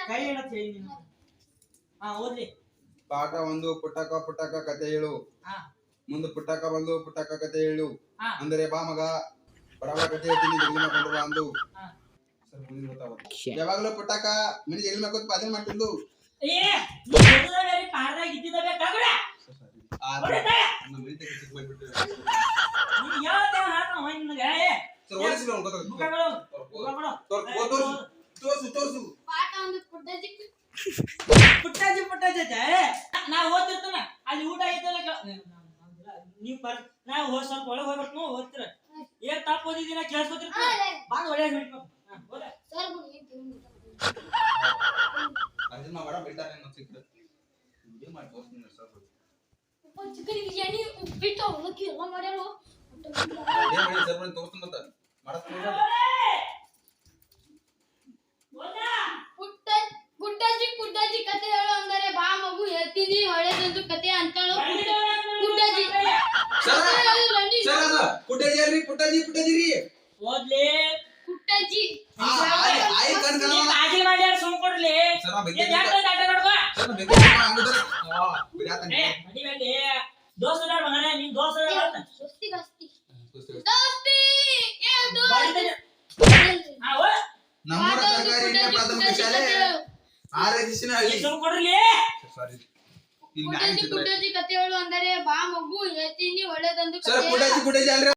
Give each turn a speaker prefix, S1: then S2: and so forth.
S1: ಕೈ ಹಿಡತ್ ಹೇಳಿ ನೀನು. ಓದ್ಲಿ.
S2: ಪಾಠ 1 ಪುಟ್ಟಕ ಪುಟ್ಟಕ ಕತೆ ಹೇಳು. ಮುಂದೆ ಪುಟ್ಟಕ ಬಂದು ಪುಟ್ಟಕ ಕತೆ ಹೇಳು. ಅಂದರೆ ಬಾ ಮಗ ಬಡವ ಕತೆ ಹೇಳ್ತೀನಿ ಜಲ್ದಿ ಮಾಡ್ಕೊಂಡು ಬಾ ಅಂದು. ಸರ್ ಮುಂದೆ ಗೊತ್ತಾವ. ಯಾವಾಗಲೂ ಪುಟ್ಟಕ ಮಿನಿ ಜಲ್ದಿ ಮಾಡ್ಕೊಂಡು ಪಾದನೆ ಮಾಡ್ತಿದ್ದು.
S1: ಏ ನೀ ಓದೋದ್ರಲ್ಲಿ ಪಾಠದಾಗ ಇದ್ದಿದ್ದವೆ ತಗೊಳ.
S2: ನಮ್ಮ ಮಿನಿತೆ ಚಿಕ್ಕ ಮಾಡ್ಬಿಟ್ಟು.
S1: ನೀ ಯಾವತ್ತೇವ ಹಾಕ ನಿನಗೆ.
S2: ಸರ್ ಓದಿಸಿಲ್ಲ ಅವ್ನು ಗೊತ್ತಾಗ.
S1: ಮುಖಗಳು.
S2: ತೋರ್ಸು.
S3: ಪಾಠ 1
S1: ಪುಟ್ಟಾಜಿ ನಾ ಓದ್ತಿರ್ತಾನ ಅಲ್ಲಿ ಊಟ ಐತಲ್ಲ ನೀವು ನಾ ಸ್ವಲ್ಪ ಒಳಗೆ ಹೋಗ್ಬಿಟ್ಟು ಓದ್ತಿರ ಏನ್ ತಪ್ಪು ಓದಿದ್ದೀನ ಕೇಳಿಸ್ಕೊತಿರ್ತೀರ ಬಾಗ ಒಳ್ಳೆ ಹೇಳ್ಬೇಕು.
S3: ಸರ್
S2: ಅದನ್ನ ಬಡ ಬಿಡ್ತಾರೆ ಅನ್ನೋ ಸಿಕ್ಕಿದ್ರೆ ವಿಡಿಯೋ ಮಾಡಿ ತೋರಿಸ್ತೀನಿ ಸರ್.
S3: ಚಿಕನ್ ಬಿರಿಯಾನಿ ಉಪ್ಪಿಟ್ಟು ಅವಲಕ್ಕಿ ಎಲ್ಲ ಮಾಡ್ಯಾರೋ.
S2: ಏನ್ ಮಾಡಿ ಸರ್ ಬಂದು ತೋರಿಸ್ತೀನಿ ಅಂತ ಮಾಡಸ್ತೀನಿ.
S3: ಪುಟ್ಟಜ್ಜಿ ಕತೆ ಹೇಳು ಅಂದರೆ ಬಾ ಮಗು ಹೇಳ್ತೀನಿ ಒಳ್ಳೆದಂದು ಕತೆ ಅಂತಾಳು ಪುಟ್ಟಜ್ಜಿ.
S2: ಪುಟ್ಟಜ್ಜಿ ರೀ
S1: ಓದ್ಲಿ
S3: ಪುಟ್ಟಜ್ಜಿ
S1: ಕಾಜಿ ಮಾಡ್ಯಾರ ಸುಮ್ ಕೊಡ್ಲಿ ದೋಸ್ತ ಮಗನೇ ನೀನ್
S2: ನಮ್ಮ ಸರ್ಕಾರಿ ಪ್ರಾಥಮಿಕ ಶಾಲೆ
S3: ಪುಟ್ಟಜ್ಜಿ ಕತೆ ಹೇಳು ಅಂದರೆ ಬಾ ಮಗು ಹೇಳ್ತೀನಿ ಒಳ್ಳೆದಂದು ಕತೆ.